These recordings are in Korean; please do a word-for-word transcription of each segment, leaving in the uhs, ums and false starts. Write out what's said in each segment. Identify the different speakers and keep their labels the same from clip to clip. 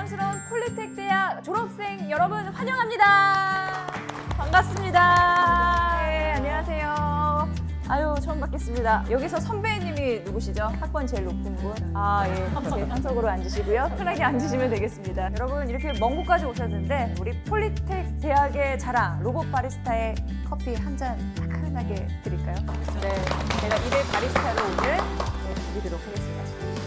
Speaker 1: 자랑스러운 폴리텍 대학 졸업생 여러분 환영합니다. 반갑습니다. 네, 안녕하세요. 아유, 처음 뵙겠습니다. 여기서 선배님이 누구시죠? 학번 제일 높은 분? 아, 예. 제 상석으로 앉으시고요. 편하게 앉으시면 되겠습니다. 여러분, 이렇게 먼 곳까지 오셨는데 우리 폴리텍 대학의 자랑, 로봇 바리스타의 커피 한 잔 따끈하게 드릴까요? 네, 제가 이대 바리스타로 오늘 네, 드리도록 하겠습니다.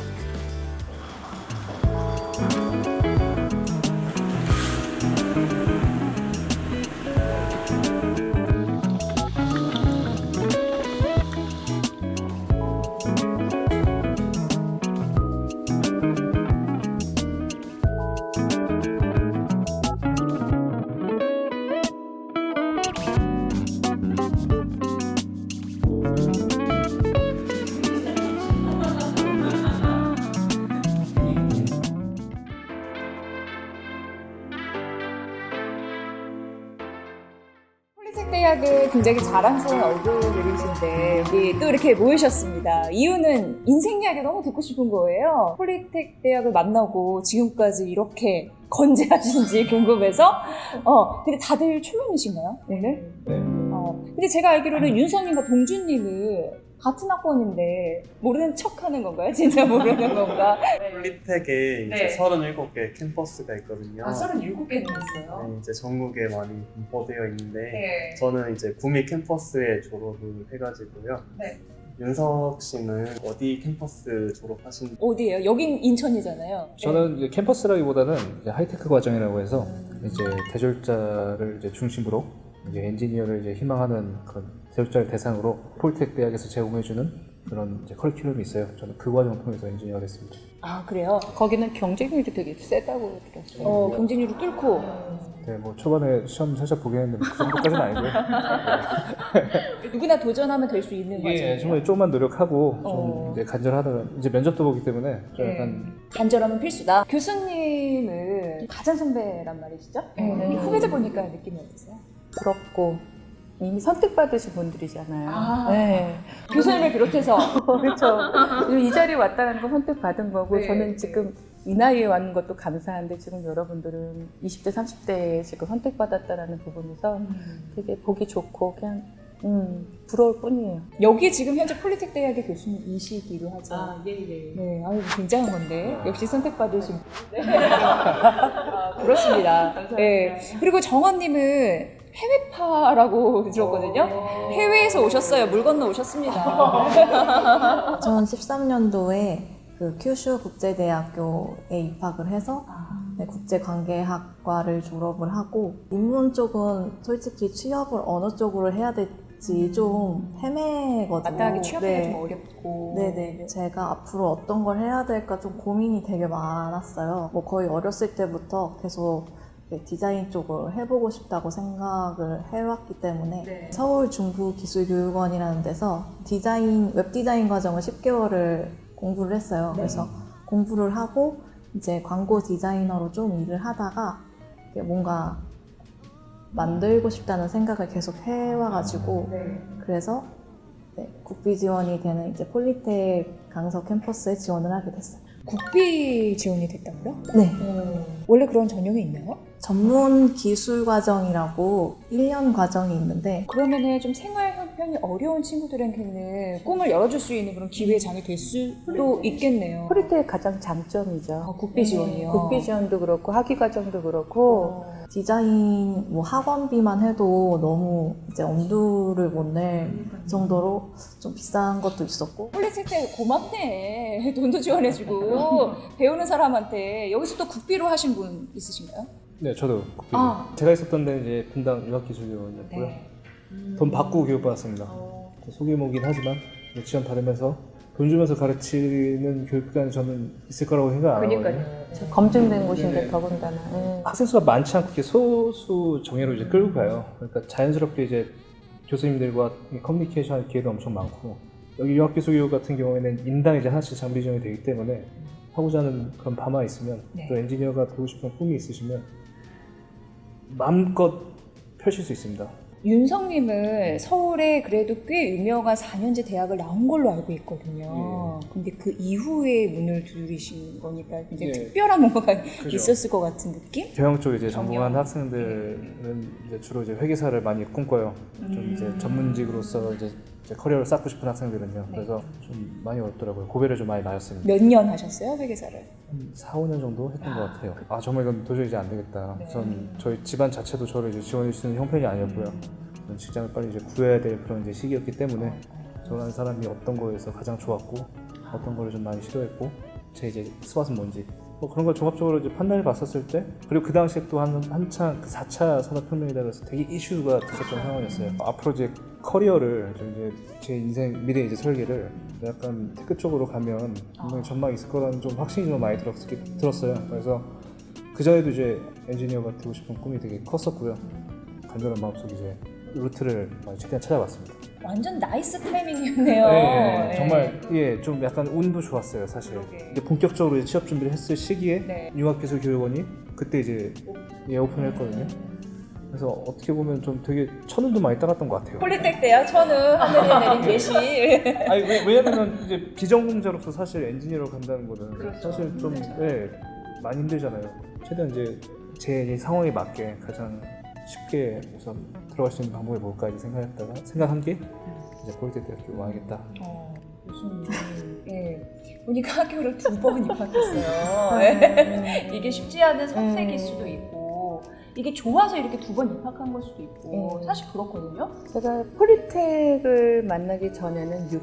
Speaker 1: 대학의 굉장히 자랑스러운 얼굴들이신데 여기 또 이렇게 모이셨습니다. 이유는 인생 이야기 너무 듣고 싶은 거예요. 폴리텍 대학을 만나고 지금까지 이렇게 건재하신지 궁금해서 어 근데 다들 초면이신가요 오늘?
Speaker 2: 네.
Speaker 1: 어 근데 제가 알기로는 윤서님과 동준님은 같은 학번인데 모르는 척하는 건가요? 진짜 모르는 건가?
Speaker 2: 폴리텍에 이제
Speaker 1: 네.
Speaker 2: 서른일곱 개 캠퍼스가 있거든요.
Speaker 1: 아, 서른일곱 개나 있어요?
Speaker 2: 네, 이제 전국에 많이 분포되어 있는데
Speaker 1: 네.
Speaker 2: 저는 이제 구미 캠퍼스에 졸업을 해가지고요.
Speaker 1: 네.
Speaker 2: 윤석 씨는 어디 캠퍼스 졸업하신?
Speaker 1: 어디예요? 여긴 인천이잖아요.
Speaker 3: 저는 이제 캠퍼스라기보다는 이제 하이테크 과정이라고 해서 이제 대졸자를 이제 중심으로 이제 엔지니어를 이제 희망하는 그런 대졸자를 대상으로 폴텍 대학에서 제공해주는 그런 이제 커리큘럼이 있어요. 저는 그 과정을 통해서 엔지니어가 됐습니다.
Speaker 1: 아, 그래요?
Speaker 4: 거기는 경쟁률이 되게 세다고 들었어요.
Speaker 1: 어, 경쟁률이 뚫고.
Speaker 3: 네, 뭐 초반에 시험 살짝 보긴 했는데 그 정도까지는 아니고요.
Speaker 1: 누구나 도전하면 될 수 있는
Speaker 3: 이게
Speaker 1: 과정이에요.
Speaker 3: 정말 조금만 노력하고 좀
Speaker 1: 어.
Speaker 3: 이제 간절하다가 이제 면접도 보기 때문에 좀
Speaker 1: 네.
Speaker 3: 약간
Speaker 1: 간절함은 필수다. 교수님은 가장 선배란 말이시죠?
Speaker 4: 네.
Speaker 1: 후배들 보니까 느낌이 어떠세요?
Speaker 4: 부럽고 이미 선택받으신 분들이잖아요.
Speaker 1: 아.
Speaker 4: 네.
Speaker 1: 교수님을 비롯해서.
Speaker 4: 그렇죠. 이 자리에 왔다는 건 선택받은 거고
Speaker 1: 네.
Speaker 4: 저는 지금 이 나이에 왔는 것도 감사한데 지금 여러분들은 이십 대, 삼십 대에 지금 선택받았다는 부분에서 되게 보기 좋고 그냥 음, 부러울 뿐이에요.
Speaker 1: 여기 지금 현재 폴리텍 대학의 교수님이시기로 하죠.
Speaker 4: 예, 예.
Speaker 1: 네, 아유, 굉장한 건데. 역시 선택받으신 분. 아, 그렇습니다. 네. 그리고 정원님은 해외파라고 들었거든요. 해외에서 오셨어요. 물 건너 오셨습니다.
Speaker 5: 이천십삼 년도에 그 큐슈 국제대학교에 입학을 해서 네, 국제관계학과를 졸업을 하고 인문 쪽은 솔직히 취업을 어느 쪽으로 해야 될지 좀 헤매거든요.
Speaker 1: 마땅하게 취업하기가
Speaker 5: 네.
Speaker 1: 좀 어렵고.
Speaker 5: 네네. 제가 앞으로 어떤 걸 해야 될까 좀 고민이 되게 많았어요. 뭐 거의 어렸을 때부터 계속 디자인 쪽을 해보고 싶다고 생각을 해왔기 때문에
Speaker 1: 네.
Speaker 5: 서울 중부기술교육원이라는 데서 디자인, 웹디자인 과정을 십 개월을 공부를 했어요.
Speaker 1: 네.
Speaker 5: 그래서 공부를 하고 이제 광고 디자이너로 좀 일을 하다가 뭔가 만들고 싶다는 생각을 계속 해와가지고
Speaker 1: 네.
Speaker 5: 그래서 네, 국비 지원이 되는 이제 폴리텍 강서 캠퍼스에 지원을 하게 됐어요.
Speaker 1: 국비 지원이 됐다고요?
Speaker 5: 네.
Speaker 1: 원래 그런 전형이 있나요?
Speaker 5: 전문 기술 과정이라고 일 년 과정이 있는데
Speaker 1: 그러면은 좀 생활 형편이 어려운 친구들에게는 꿈을 열어줄 수 있는 그런 기회의 장이 될 수도 있겠네요.
Speaker 4: 폴리텍의 가장 장점이죠.
Speaker 1: 아, 국비 지원이요.
Speaker 4: 국비 지원도 그렇고 학위 과정도 그렇고
Speaker 1: 어.
Speaker 5: 디자인 뭐 학원비만 해도 너무 이제 엄두를 못 낼 정도로 좀 비싼 것도 있었고
Speaker 1: 폴리텍 때 고맙네. 돈도 지원해주고 배우는 사람한테. 여기서 또 국비로 하신 분 있으신가요?
Speaker 3: 네, 저도 국비.
Speaker 1: 아.
Speaker 3: 제가 있었던 데는 이제 분당 융합기술교원이었고요.
Speaker 1: 네.
Speaker 3: 돈 받고 교육받았습니다. 소규모긴 하지만 지원 받으면서 돈 주면서 가르치는 교육기관이 저는 있을 거라고 생각 안 하거든요.
Speaker 4: 그러니까요. 검증된 곳인데
Speaker 1: 네.
Speaker 4: 더군다나. 네.
Speaker 3: 학생 수가 많지 않고 이렇게 소수 정예로 이제 끌고 가요. 그러니까 자연스럽게 이제 교수님들과 커뮤니케이션할 기회도 엄청 많고 여기 융합기술교육 같은 경우에는 인당 이제 하나씩 장비 지원이 되기 때문에 하고자 하는 그런 바만 있으면
Speaker 1: 네.
Speaker 3: 또 엔지니어가 되고 싶은 꿈이 있으시면 마음껏 펼칠 수 있습니다.
Speaker 6: 윤성님은 서울에 그래도 꽤 유명한 사 년제 대학을 나온 걸로 알고 있거든요. 근데 그 이후에 문을 두드리신 거니까 굉장히
Speaker 3: 예.
Speaker 6: 특별한 뭔가가
Speaker 3: 그죠.
Speaker 6: 있었을 것 같은 느낌?
Speaker 3: 경영 쪽에 이제 전공한
Speaker 6: 경영.
Speaker 3: 학생들은 이제 주로 이제 회계사를 많이 꿈꿔요. 좀 이제 전문직으로서 이제, 이제 커리어를 쌓고 싶은 학생들은요. 그래서 좀 많이 어렵더라고요. 고배를 좀 많이 맞았습니다.
Speaker 6: 몇 년 하셨어요, 회계사를?
Speaker 3: 한 사, 오 년 정도 했던 것 같아요. 아 정말 이건 도저히 이제 안 되겠다. 전 저희 집안 자체도 저를 이제 지원해 주는 형편이 아니었고요. 저는 직장을 빨리 이제 구해야 될 그런 이제 시기였기 때문에 저라는 사람이 어떤 거에서 가장 좋았고 어떤 거를 좀 많이 싫어했고 제 이제 스왓은 뭔지 뭐 그런 걸 종합적으로 이제 판단해 봤었을 때 그리고 그 당시에 또 한, 한창 그 사 차 산업혁명이다 그래서 되게 이슈가 됐었던 상황이었어요. 앞으로 이제 커리어를 좀 이제 제 인생 미래 이제 설계를 약간 테크 쪽으로 가면 분명히 전망이 있을 거라는 좀 확신이 좀 많이 들었, 들었어요. 그래서 그 전에도 이제 엔지니어가 되고 싶은 꿈이 되게 컸었고요. 간절한 마음속에 이제 루트를 많이 최대한 찾아봤습니다.
Speaker 6: 완전 나이스 타이밍이었네요.
Speaker 3: 네,
Speaker 6: 네.
Speaker 3: 정말 예, 좀 약간 운도 좋았어요, 사실.
Speaker 6: 그러게.
Speaker 3: 이제 본격적으로 이제 취업 준비를 했을 시기에
Speaker 6: 네.
Speaker 3: 융합기술교육원이 그때 이제 예, 오픈했거든요. 그래서 어떻게 보면 좀 되게 천운도 많이 따랐던 것 같아요.
Speaker 6: 폴리텍 대학 천은 하늘에 내린 예시.
Speaker 3: 아니 왜, 왜냐면 이제 비전공자로서 사실 엔지니어로 간다는 거는 사실 좀 예, 많이 힘들잖아요. 최대한 이제 제 이제 상황에 맞게 가장 쉽게 우선 들어갈 수 있는 방법이 뭘까 이제 생각했다가 생각한 게 이제 폴리텍 대학교 와야겠다.
Speaker 6: 어, 교수님, 예. 보니까 학교를 두 번 입학했어요. 예. 이게 쉽지 않은 선택일 수도 있고, 이게 좋아서 이렇게 두 번 입학한 걸 수도 있고,
Speaker 4: 음.
Speaker 6: 사실 그렇거든요.
Speaker 4: 제가 폴리텍을 만나기 전에는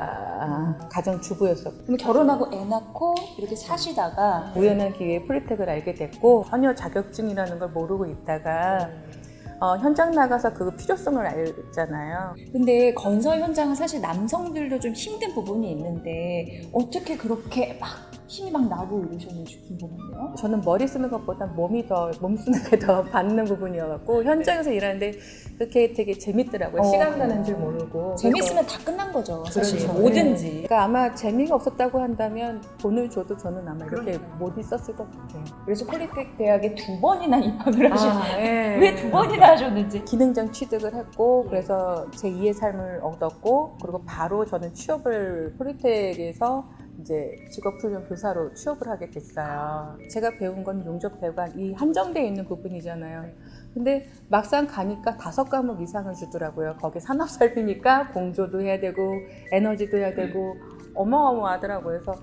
Speaker 4: 육아 가정주부였었고
Speaker 6: 그럼 결혼하고 애 낳고 이렇게 사시다가
Speaker 4: 우연한 기회에 폴리텍을 알게 됐고 전혀 자격증이라는 걸 모르고 있다가 어, 현장 나가서 그 필요성을 알잖아요.
Speaker 6: 근데 건설 현장은 사실 남성들도 좀 힘든 부분이 있는데 어떻게 그렇게 막 힘이 막 나고 이러셨는지 궁금한데요.
Speaker 4: 저는 머리 쓰는 것보다 몸이 더, 몸 쓰는 게 더 받는 부분이어갖고 현장에서 일하는데 그렇게 되게 재밌더라고요.
Speaker 6: 어.
Speaker 4: 시간 가는 줄 모르고.
Speaker 6: 재밌으면 다 끝난 거죠, 사실.
Speaker 4: 그래서
Speaker 6: 뭐든지.
Speaker 4: 그러니까 아마 재미가 없었다고 한다면 돈을 줘도 저는 아마 이렇게 못 있었을 것 같아요.
Speaker 6: 그래서 폴리텍 대학에 두 번이나 입학을 하셨어요.
Speaker 4: 예.
Speaker 6: 왜 두 번이나 하셨는지.
Speaker 4: 기능장 취득을 했고 그래서 제이의 삶을 얻었고 그리고 바로 저는 취업을 폴리텍에서 이제 직업훈련 교사로 취업을 하게 됐어요. 제가 배운 건 용접 배관 이 한정되어 있는 부분이잖아요. 근데 막상 가니까 다섯 과목 이상을 주더라고요. 거기 산업 설비니까 공조도 해야 되고 에너지도 해야 되고 어마어마하더라고요. 그래서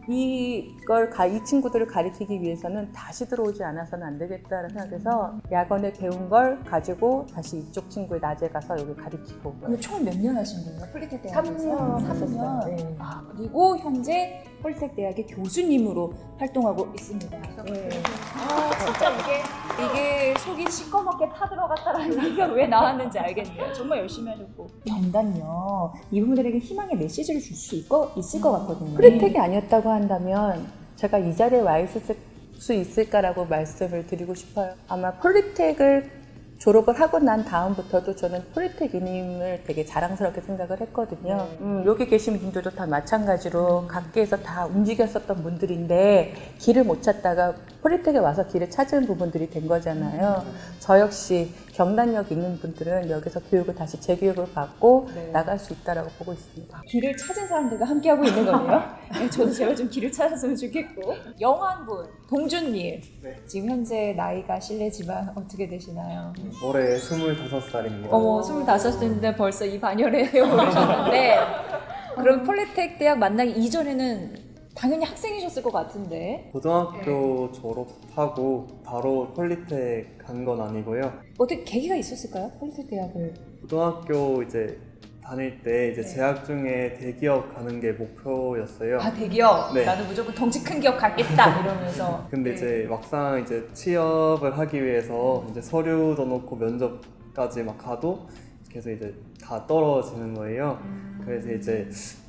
Speaker 4: 이걸 가, 이 친구들을 가르치기 위해서는 다시 들어오지 않아서는 안 되겠다는 생각해서 야간에 배운 걸 가지고 다시 이쪽 친구의 낮에 가서 여기 가르치고.
Speaker 6: 그럼 총 몇 년 하신 거예요? 폴리텍 대학에서?
Speaker 4: 삼 년
Speaker 6: 삼
Speaker 4: 했었어요.
Speaker 6: 년.
Speaker 4: 네.
Speaker 6: 아, 그리고 현재 폴리텍 대학의 교수님으로 활동하고 있습니다. 네. 아, 진짜 이게, 이게 속이 시꺼멓게 타들어갔다라는 얘기가 왜 나왔는지 알겠네요. 정말 열심히 하셨고. 경단요, 이분들에게 희망의 메시지를 줄 수 있을 것 같거든요.
Speaker 4: 폴리텍이 아니었다고 한다면 제가 이 자리에 와 있을 수 있을까라고 말씀을 드리고 싶어요. 아마 폴리텍을 졸업을 하고 난 다음부터도 저는 폴리텍인임을 되게 자랑스럽게 생각을 했거든요. 음, 여기 계신 분들도 다 마찬가지로 각계에서 다 움직였었던 분들인데 길을 못 찾다가 폴리텍에 와서 길을 찾은 부분들이 된 거잖아요. 저 역시 경단력 있는 분들은 여기서 교육을 다시 재교육을 받고
Speaker 6: 네.
Speaker 4: 나갈 수 있다고 보고 있습니다.
Speaker 6: 길을 찾은 사람들과 함께하고 있는 거네요. 네, 저도 제발 좀 길을 찾았으면 좋겠고. 영환분, 동준님.
Speaker 2: 네.
Speaker 6: 지금 현재 나이가 실례지만 어떻게 되시나요?
Speaker 2: 올해 스물다섯 살입니다.
Speaker 6: 어머, 스물다섯인데 벌써 이 반열에 오르셨는데 그럼 폴리텍 대학 만나기 이전에는 당연히 학생이셨을 것 같은데
Speaker 2: 고등학교 졸업하고 바로 폴리텍 간 건 아니고요.
Speaker 6: 어떻게 계기가 있었을까요? 폴리텍 대학을.
Speaker 2: 고등학교 이제 다닐 때 이제 재학 중에 대기업 가는 게 목표였어요.
Speaker 6: 아, 대기업.
Speaker 2: 네.
Speaker 6: 나는 무조건 덩치 큰 기업 가겠다 이러면서.
Speaker 2: 근데 이제 막상 이제 취업을 하기 위해서 이제 서류도 넣고 면접까지 막 가도 계속 이제 다 떨어지는 거예요. 그래서 이제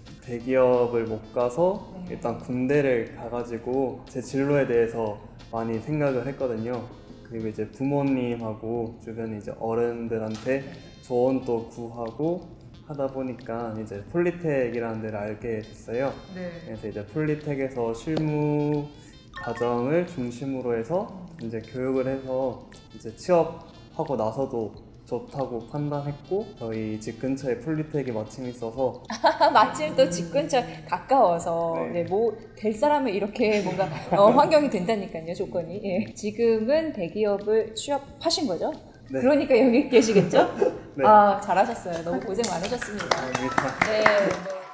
Speaker 2: 대기업을 못 가서 일단 군대를 가가지고 제 진로에 대해서 많이 생각을 했거든요. 그리고 이제 부모님하고 주변에 이제 어른들한테 조언도 구하고 하다 보니까 이제 폴리텍이라는 데를 알게 됐어요. 그래서 이제 폴리텍에서 실무 과정을 중심으로 해서 이제 교육을 해서 이제 취업하고 나서도 좋다고 판단했고 저희 집 근처에 폴리텍이 마침 있어서
Speaker 6: 마침 또 집 근처 가까워서
Speaker 2: 네.
Speaker 6: 네, 뭐 될 사람은 이렇게 뭔가 어, 환경이 된다니까요, 조건이. 예. 지금은 대기업을 취업하신 거죠?
Speaker 2: 네.
Speaker 6: 그러니까 여기 계시겠죠?
Speaker 2: 네.
Speaker 6: 아, 잘하셨어요. 너무 고생 많으셨습니다.
Speaker 2: 감사합니다.
Speaker 6: 네. 네.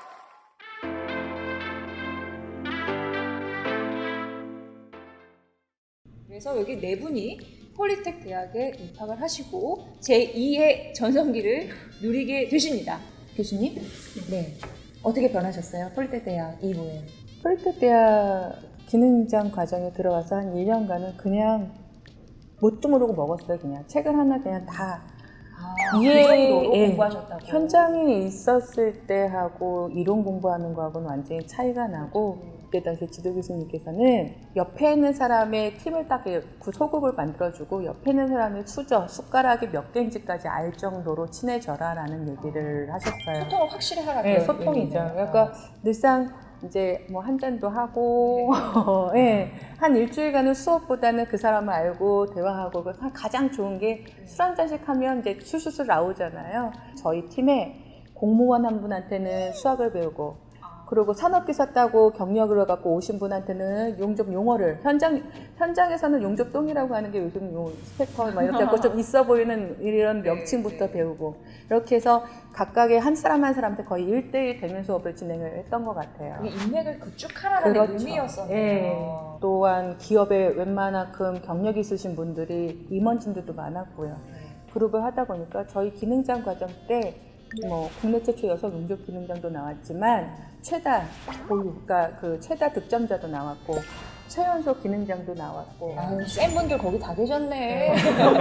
Speaker 6: 그래서 여기 네 분이 폴리텍 대학에 입학을 하시고 제이의 전성기를 누리게 되십니다. 교수님, 네. 어떻게 변하셨어요? 폴리텍 대학 이후에.
Speaker 4: 폴리텍 대학 기능장 과정에 들어가서 한 일 년간은 그냥 뭣도 모르고 먹었어요. 그냥 책을 하나 그냥 다
Speaker 6: 아,
Speaker 4: 예,
Speaker 6: 그 정도로
Speaker 4: 예.
Speaker 6: 공부하셨다고.
Speaker 4: 현장에 있었을 때하고 이론 공부하는 거하고는 완전히 차이가 나고 그때 당시 지도 교수님께서는 옆에 있는 사람의 팀을 딱 그 소급을 만들어주고 옆에 있는 사람의 수저, 숟가락이 몇 개인지까지 알 정도로 친해져라 라는 얘기를 하셨어요.
Speaker 6: 소통을 확실히 하라.
Speaker 4: 네,
Speaker 6: 그런
Speaker 4: 소통이죠.
Speaker 6: 의미네요.
Speaker 4: 그러니까 늘상 이제 뭐 한 잔도 하고, 예, 한 일주일간은 수업보다는 그 사람을 알고 대화하고 그 가장 좋은 게 술 한 잔씩 하면 이제 술술술 나오잖아요. 저희 팀에 공무원 한 분한테는 수학을 배우고, 그리고 산업기사 따고 경력을 갖고 오신 분한테는 용접 용어를 현장 현장에서는 용접동이라고 하는 게 요즘 요 스펙터 막 이렇게 갖고 좀 있어 보이는 이런 명칭부터 배우고 이렇게 해서 각각의 한 사람 한 사람한테 거의 일 대일 대면 수업을 진행을 했던 것 같아요.
Speaker 6: 이게 인맥을 구축하라는
Speaker 4: 그렇죠.
Speaker 6: 의미였었네요.
Speaker 4: 예. 또한 기업에 웬만큼 경력이 있으신 분들이 임원진들도 많았고요. 그룹을 하다 보니까 저희 기능장 과정 때 뭐 국내 최초 여성 용접 기능장도 나왔지만 최다 보유, 그러니까 그 최다 득점자도 나왔고 최연소 기능장도 나왔고
Speaker 6: 아유, 센 분들 거기 다 계셨네.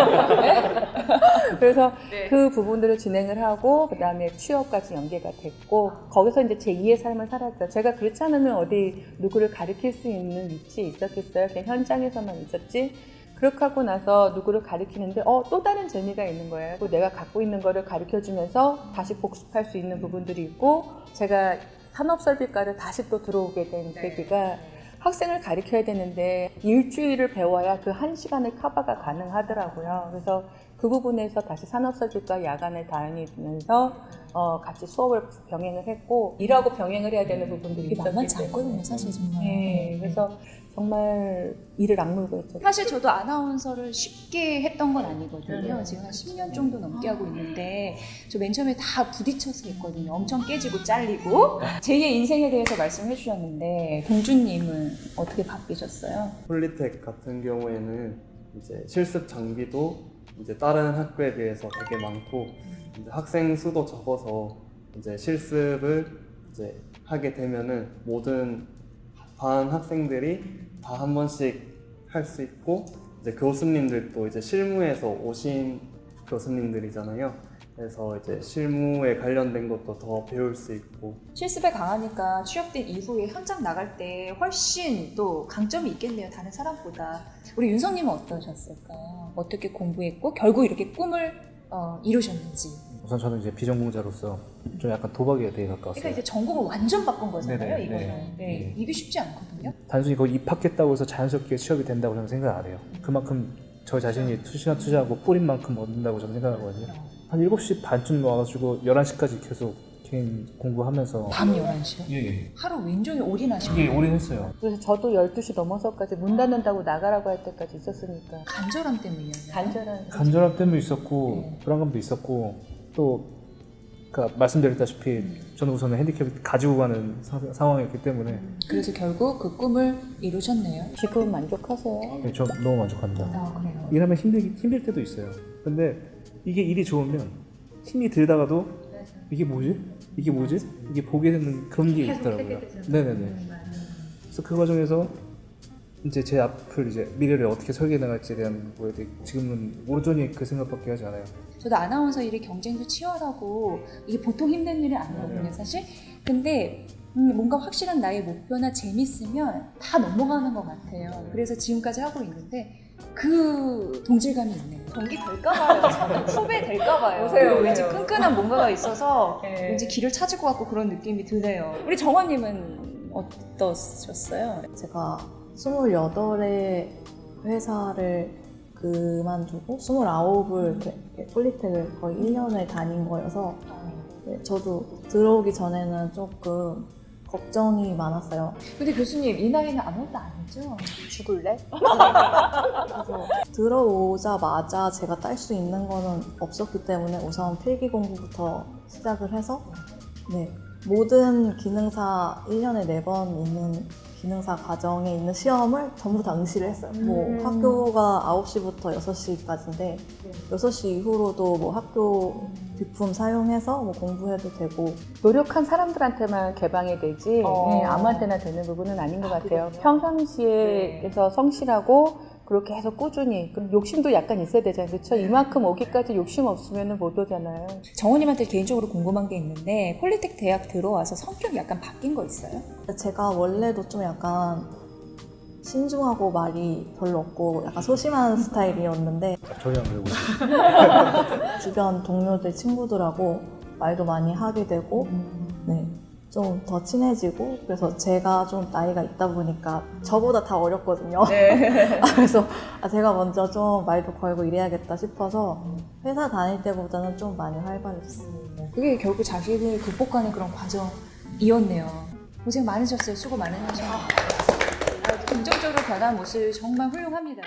Speaker 4: 그래서
Speaker 6: 네.
Speaker 4: 그 부분들을 진행을 하고 그 다음에 취업까지 연계가 됐고 거기서 이제 제이의 삶을 살았죠. 제가 그렇지 않으면 어디 누구를 가르칠 수 있는 위치에 있었겠어요. 그냥 현장에서만 있었지. 그렇게 하고 나서 누구를 가르치는데 어, 또 다른 재미가 있는 거예요. 그리고 내가 갖고 있는 거를 가르쳐주면서 다시 복습할 수 있는 부분들이 있고 제가 산업설비과를 다시 또 들어오게 된 계기가 학생을 가르쳐야 되는데 일주일을 배워야 그 한 시간을 커버가 가능하더라고요. 그래서 그 부분에서 다시 산업설비과 야간을 다니면서 어, 같이 수업을 병행을 했고 일하고 병행을 해야 되는 부분들이
Speaker 6: 이게
Speaker 4: 있었기
Speaker 6: 만만치
Speaker 4: 때문에.
Speaker 6: 않거든요, 사실 정말.
Speaker 4: 네, 그래서 정말 이를 악물고 했죠.
Speaker 6: 사실 저도 아나운서를 쉽게 했던 건 아니거든요. 지금 한 십 년 정도 넘게 하고 있는데 저 맨 처음에 다 부딪혀서 했거든요. 엄청 깨지고 잘리고. 제이의 인생에 대해서 말씀해 주셨는데 동준님은 어떻게 바뀌셨어요?
Speaker 2: 폴리텍 같은 경우에는 이제 실습 장비도 이제 다른 학교에 비해서 되게 많고 이제 학생 수도 적어서 이제 실습을 이제 하게 되면은 모든 반 학생들이 다 한 번씩 할 수 있고 이제 교수님들도 이제 실무에서 오신 교수님들이잖아요. 그래서 이제 실무에 관련된 것도 더 배울 수 있고
Speaker 6: 실습에 강하니까 취업된 이후에 현장 나갈 때 훨씬 또 강점이 있겠네요. 다른 사람보다. 우리 윤성님은 어떠셨을까요? 어떻게 공부했고 결국 이렇게 꿈을 어, 이루셨는지.
Speaker 3: 우선 저는 이제 비전공자로서 좀 약간 도박에 되게 가까웠어요.
Speaker 6: 그러니까 이제 전공을 완전 바꾼 거잖아요.
Speaker 3: 네네,
Speaker 6: 이거는.
Speaker 3: 네.
Speaker 6: 네.
Speaker 3: 네.
Speaker 6: 이게 쉽지 않거든요.
Speaker 3: 단순히 거기 입학했다고 해서 자연스럽게 취업이 된다고 저는 생각 안 해요. 그만큼 저 자신이 투시간 투자하고 뿌린 만큼 얻는다고 저는 생각하거든요. 한 일곱 시 반쯤 와가지고 열한 시까지 계속 개인 공부하면서
Speaker 6: 밤 열한 시요?
Speaker 3: 예, 예.
Speaker 6: 하루 왼종일 올인하시고
Speaker 3: 이게 올인했어요.
Speaker 4: 그래서 저도 열두 시 넘어서까지 문 닫는다고 나가라고 할 때까지 있었으니까
Speaker 6: 간절함 때문이었나요?
Speaker 4: 간절한
Speaker 3: 간절함 때문에 있었고
Speaker 6: 네.
Speaker 3: 불안감도 있었고 또 그러니까 말씀드렸다시피 저는 우선 핸디캡을 가지고 가는 사, 상황이었기 때문에
Speaker 6: 그래서 결국 그 꿈을 이루셨네요.
Speaker 4: 지금 만족하세요?
Speaker 3: 네, 저 너무 만족합니다.
Speaker 6: 아, 그래요.
Speaker 3: 일하면 힘들기, 힘들 때도 있어요. 근데 이게 일이 좋으면 힘이 들다가도 이게 뭐지? 이게 뭐지? 이게 보게 되는 그런 게 있더라고요. 네네네. 그래서 그 과정에서 이제 제 앞을 이제 미래를 어떻게 설계해 나갈지에 대한 거에 대해 지금은 오른손이 그 생각밖에 하지 않아요.
Speaker 6: 저도 아나운서 일이 경쟁도 치열하고 이게 보통 힘든 일은 아니거든요, 사실. 근데 음, 뭔가 확실한 나의 목표나 재밌으면 다 넘어가는 것 같아요. 그래서 지금까지 하고 있는데 그 동질감이 있네요. 동기 될까봐요. 후배 될까봐요.
Speaker 4: 오세요, 오세요.
Speaker 6: 왠지 끈끈한 뭔가가 있어서
Speaker 4: 네.
Speaker 6: 왠지 길을 찾을 것 같고 그런 느낌이 드네요. 우리 정원님은 어떠셨어요?
Speaker 5: 제가 스물여덟에 회사를 그만두고 스물아홉을 이렇게 폴리텍을 거의 일 년을 다닌 거여서 네, 저도 들어오기 전에는 조금 걱정이 많았어요.
Speaker 6: 근데 교수님 이 나이는 아무것도 아니죠?
Speaker 4: 죽을래?
Speaker 5: 그래서 들어오자마자 제가 딸 수 있는 거는 없었기 때문에 우선 필기 공부부터 시작을 해서 네, 모든 기능사 일 년에 네 번 있는 기능사 과정에 있는 시험을 전부 다 응시를 했어요. 뭐 학교가 아홉 시부터 여섯 시까지인데 여섯 시 이후로도 뭐 학교 비품 사용해서 뭐 공부해도 되고
Speaker 4: 노력한 사람들한테만 개방이 되지
Speaker 6: 어.
Speaker 4: 네, 아무한테나 되는 부분은 아닌 것
Speaker 6: 아,
Speaker 4: 같아요.
Speaker 6: 그래요?
Speaker 4: 평상시에 그래서 성실하고 그렇게 계속 꾸준히 그럼 욕심도 약간 있어야 되잖아요. 그렇죠? 이만큼 오기까지 욕심 없으면 못 오잖아요.
Speaker 6: 정원님한테 개인적으로 궁금한 게 있는데 폴리텍 대학 들어와서 성격이 약간 바뀐 거 있어요?
Speaker 5: 제가 원래도 좀 약간 신중하고 말이 별로 없고 약간 소심한 스타일이었는데
Speaker 3: 전혀 안 그러고 있어요.
Speaker 5: 주변 동료들, 친구들하고 말도 많이 하게 되고 네, 좀 더 친해지고 그래서 제가 좀 나이가 있다 보니까 저보다 다 어렸거든요. 그래서 아, 제가 먼저 좀 말도 걸고 이래야겠다 싶어서 회사 다닐 때보다는 좀 많이 활발해졌어요.
Speaker 6: 그게 결국 자신을 극복하는 그런 과정이었네요. 고생 많으셨어요. 수고 많으셨어요. 아, 긍정적으로 변한 모습 정말 훌륭합니다.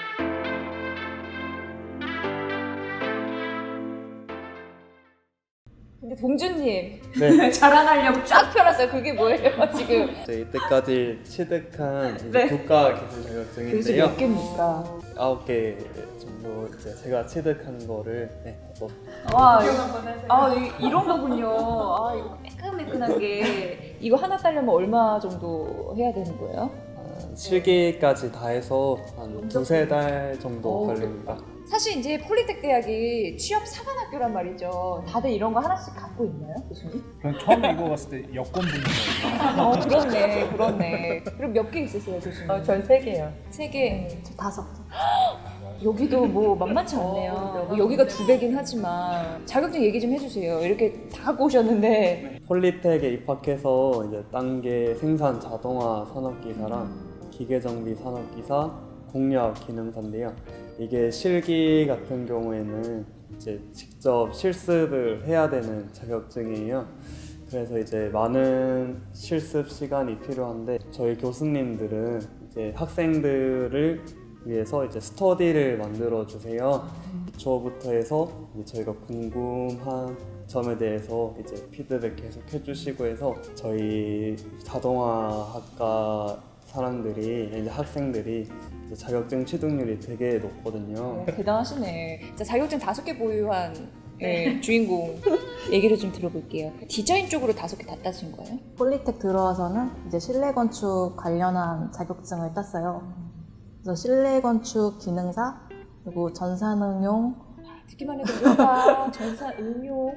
Speaker 6: 근데 동준님
Speaker 2: 네.
Speaker 6: 자랑하려고 쫙 펴놨어요. 그게 뭐예요 지금?
Speaker 2: 이제 이때까지 취득한 이제
Speaker 6: 네.
Speaker 2: 국가 기술
Speaker 6: 교수
Speaker 2: 자격증인데요.
Speaker 6: 몇 개입니까?
Speaker 2: 아홉 개 정도 이제 제가 취득한 거를 네, 또
Speaker 6: 와, 이거, 아, 이- 이런 거군요. 아, 이거 매끈매끈한 게 이거 하나 따려면 얼마 정도 해야 되는 거예요?
Speaker 2: 한 실기까지 다 해서 한 두세 달 정도
Speaker 6: 어,
Speaker 2: 걸립니다.
Speaker 6: 사실 이제 폴리텍 대학이 취업 사관학교란 말이죠. 다들 이런 거 하나씩 갖고 있나요, 교수님?
Speaker 3: 그냥 처음에 이거 봤을 때 여권 붙는 거예요.
Speaker 6: 어, 그렇네, 그렇네. 그럼 몇 개 있으세요, 교수님?
Speaker 4: 어, 전 세 개요.
Speaker 6: 세 개.
Speaker 5: 저 다섯 개.
Speaker 6: 여기도 뭐 만만치 않네요. 뭐 여기가 두 배긴 하지만 자격증 얘기 좀 해주세요. 이렇게 다 갖고 오셨는데.
Speaker 2: 폴리텍에 입학해서 이제 단계 생산 자동화 산업기사랑 기계정비 산업기사, 공유학 기능사인데요. 이게 실기 같은 경우에는 이제 직접 실습을 해야 되는 자격증이에요. 그래서 이제 많은 실습 시간이 필요한데 저희 교수님들은 이제 학생들을 위해서 이제 스터디를 만들어 주세요. 기초부터 해서 이제 저희가 궁금한 점에 대해서 이제 피드백 계속 해주시고 해서 저희 자동화학과 사람들이 이제 학생들이 이제 자격증 취득률이 되게 높거든요.
Speaker 6: 대단하시네. 자, 자격증 다섯 개 보유한 네, 주인공 얘기를 좀 들어볼게요. 디자인 쪽으로 다섯 개 다 따신 거예요?
Speaker 5: 폴리텍 들어와서는 이제 실내 건축 관련한 자격증을 땄어요. 그래서 실내 건축 기능사 그리고 전산응용,
Speaker 6: 듣기만 해도 뭔가 전산 응용.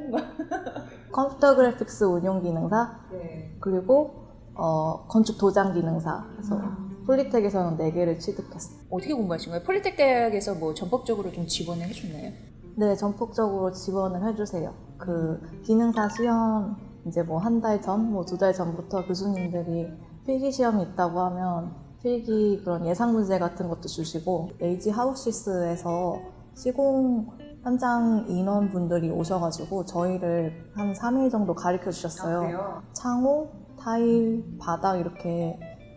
Speaker 5: 컴퓨터 그래픽스 운용 기능사
Speaker 6: 네.
Speaker 5: 그리고 어, 건축 도장 기능사. 그래서 폴리텍에서는 네 개를 취득했어요.
Speaker 6: 어떻게 공부하신 거예요? 폴리텍 대학에서 뭐 전폭적으로 좀 지원을 해줬나요?
Speaker 5: 네, 전폭적으로 지원을 해주세요. 그 기능사 시험 이제 뭐 한 달 전, 뭐 두 달 전부터 교수님들이 필기 시험이 있다고 하면 필기 그런 예상 문제 같은 것도 주시고 에이지 하우시스에서 시공 현장 인원분들이 오셔가지고 저희를 한 삼 일 정도 가르쳐 주셨어요. 창호, 타일, 바닥 이렇게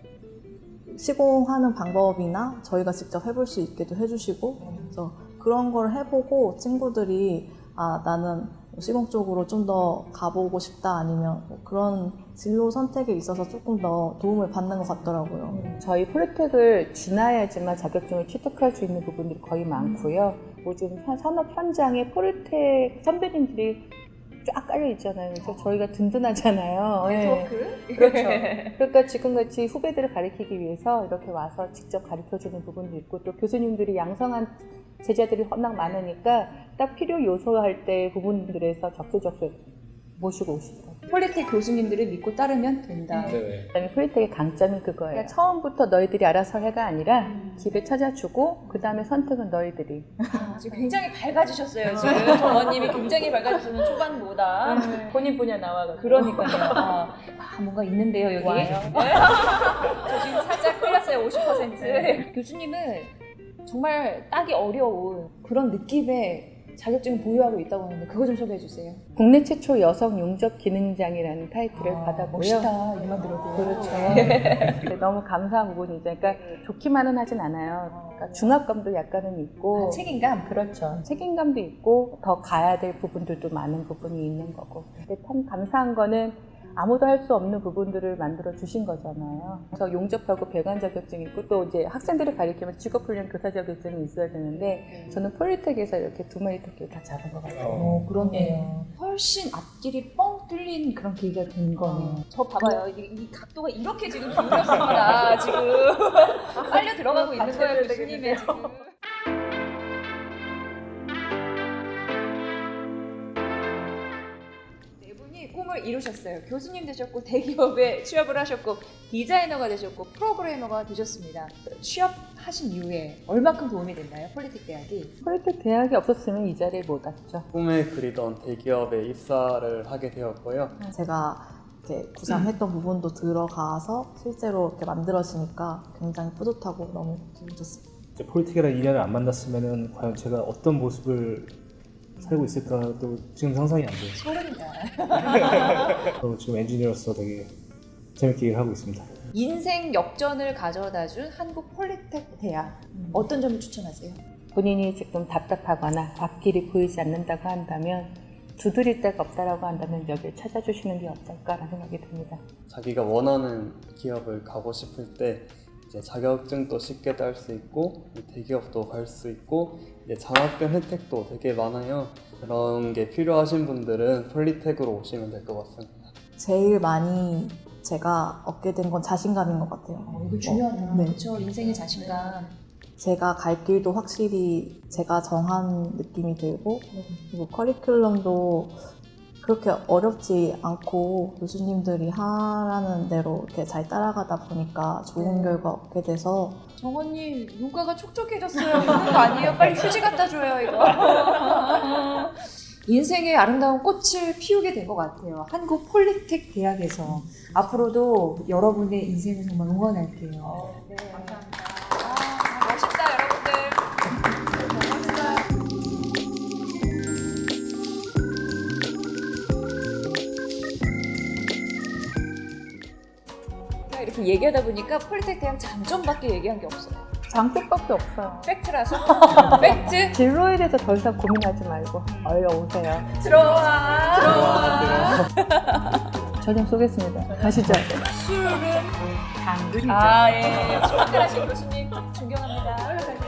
Speaker 5: 시공하는 방법이나 저희가 직접 해볼 수 있게도 해주시고 그래서 그런 걸 해보고 친구들이 아 나는 시공 쪽으로 좀 더 가보고 싶다 아니면 뭐 그런 진로 선택에 있어서 조금 더 도움을 받는 것 같더라고요.
Speaker 4: 저희 폴리텍을 지나야지만 자격증을 취득할 수 있는 부분들이 거의 많고요. 요즘 산- 산업 현장에 폴리텍 선배님들이 쫙 깔려 있잖아요. 그래서 저희가 든든하잖아요. 네. 그렇죠. 그러니까 지금같이 후배들을 가르치기 위해서 이렇게 와서 직접 가르쳐주는 부분도 있고 또 교수님들이 양성한 제자들이 워낙 많으니까 딱 필요 요소할 때 부분들에서 적수적수 모시고 오시더라고요.
Speaker 6: 폴리텍 교수님들을 믿고 따르면 된다.
Speaker 3: 네.
Speaker 4: 그다음에 폴리텍의 강점이 그거예요. 그러니까 처음부터 너희들이 알아서 해가 아니라 길을 찾아주고 그 다음에 선택은 너희들이.
Speaker 6: 아, 지금 굉장히 밝아지셨어요. 지금 정원님이 굉장히 밝아지시는 초반보다.
Speaker 4: 본인 분야 나와가지고.
Speaker 6: 그러니까요. 아, 아, 뭔가 있는데요 여기.
Speaker 4: 와요.
Speaker 6: 저 지금 살짝 끌렸어요. 오십 퍼센트. 교수님은 정말 따기 어려운 그런 느낌의 자격증을 보유하고 있다고 하는데 그거 좀 소개해 주세요.
Speaker 4: 국내 최초 여성 용접 기능장이라는 타이틀을 받았고요.
Speaker 6: 멋있다. 이만 들어도.
Speaker 4: 그렇죠. 네, 너무 감사한 부분이죠. 그러니까 좋기만은 하진 않아요. 그러니까 중압감도 약간은 있고.
Speaker 6: 아, 책임감?
Speaker 4: 그렇죠. 책임감도 있고 더 가야 될 부분들도 많은 부분이 있는 거고. 근데 참 감사한 거는 아무도 할 수 없는 부분들을 만들어 주신 거잖아요. 그래서 용접하고 배관 자격증이 있고 또 이제 학생들을 가리키면 직업훈련 교사 자격증이 있어야 되는데 저는 폴리텍에서 이렇게 두 마리 토끼를 다 잡은 것 같아요.
Speaker 6: 어, 그렇네요. 훨씬 앞길이 뻥 뚫린 그런 계기가 된 거네요. 저 봐봐요. 이, 이 각도가 이렇게 지금 기울였습니다. 지금 빨려 들어가고 있는 거예요, 교수님의 지금. 네 분이 꿈을 이루셨어요. 교수님 되셨고 대기업에 취업을 하셨고 디자이너가 되셨고 프로그래머가 되셨습니다. 취업하신 이후에 얼마큼 도움이 됐나요? 폴리텍 대학이?
Speaker 4: 폴리텍 대학이 없었으면 이 자리에 못 왔죠.
Speaker 2: 꿈에 그리던 대기업에 입사를 하게 되었고요.
Speaker 5: 제가 이렇게 구상했던 부분도 들어가서 실제로 이렇게 만들어지니까 굉장히 뿌듯하고 너무 기분 좋습니다.
Speaker 3: 이제 폴리텍이랑 인연을 안 만났으면은 과연 제가 어떤 모습을 살고 있을까도 지금 상상이 안 돼요.
Speaker 6: 소름이다.
Speaker 3: 저 지금 엔지니어로서 되게 재밌게 일을 하고 있습니다.
Speaker 6: 인생 역전을 가져다준 한국 폴리텍 대학 어떤 점을 추천하세요?
Speaker 4: 본인이 지금 답답하거나 앞길이 보이지 않는다고 한다면 두드릴 데가 없다라고 한다면 여기를 찾아주시는 게 어떨까라는 생각이 듭니다.
Speaker 2: 자기가 원하는 기업을 가고 싶을 때 이제 자격증도 쉽게 딸 수 있고 대기업도 갈 수 있고 이제 장학금 혜택도 되게 많아요. 그런 게 필요하신 분들은 폴리텍으로 오시면 될 것 같습니다.
Speaker 5: 제일 많이 제가 얻게 된 건 자신감인 것 같아요.
Speaker 6: 어, 이거 중요하다.
Speaker 5: 네.
Speaker 6: 그렇죠. 인생의 자신감.
Speaker 5: 제가 갈 길도 확실히 제가 정한 느낌이 들고 그리고 커리큘럼도 그렇게 어렵지 않고 교수님들이 하라는 대로 이렇게 잘 따라가다 보니까 좋은
Speaker 6: 네.
Speaker 5: 결과 얻게 돼서
Speaker 6: 정원님 눈가가 촉촉해졌어요. 그런 거 아니에요? 빨리 휴지 갖다 줘요 이거. 인생의 아름다운 꽃을 피우게 된 것 같아요. 한국 폴리텍 대학에서 앞으로도 여러분의 인생을 정말 응원할게요. 네, 감사합니다. 아, 멋있다 여러분들. 제가 이렇게 얘기하다 보니까 폴리텍 대학 장점밖에 얘기한 게 없어요.
Speaker 4: 장점밖에 없어요.
Speaker 6: 팩트라서. 팩트.
Speaker 4: 진로에 대해서 더 이상 고민하지 말고 얼른 오세요.
Speaker 6: 들어와. 들어와.
Speaker 4: 저 좀 쏘겠습니다. 가시죠.
Speaker 6: 술은
Speaker 4: 당근이죠.
Speaker 6: 아 예. 출근하신 교수님 존경합니다.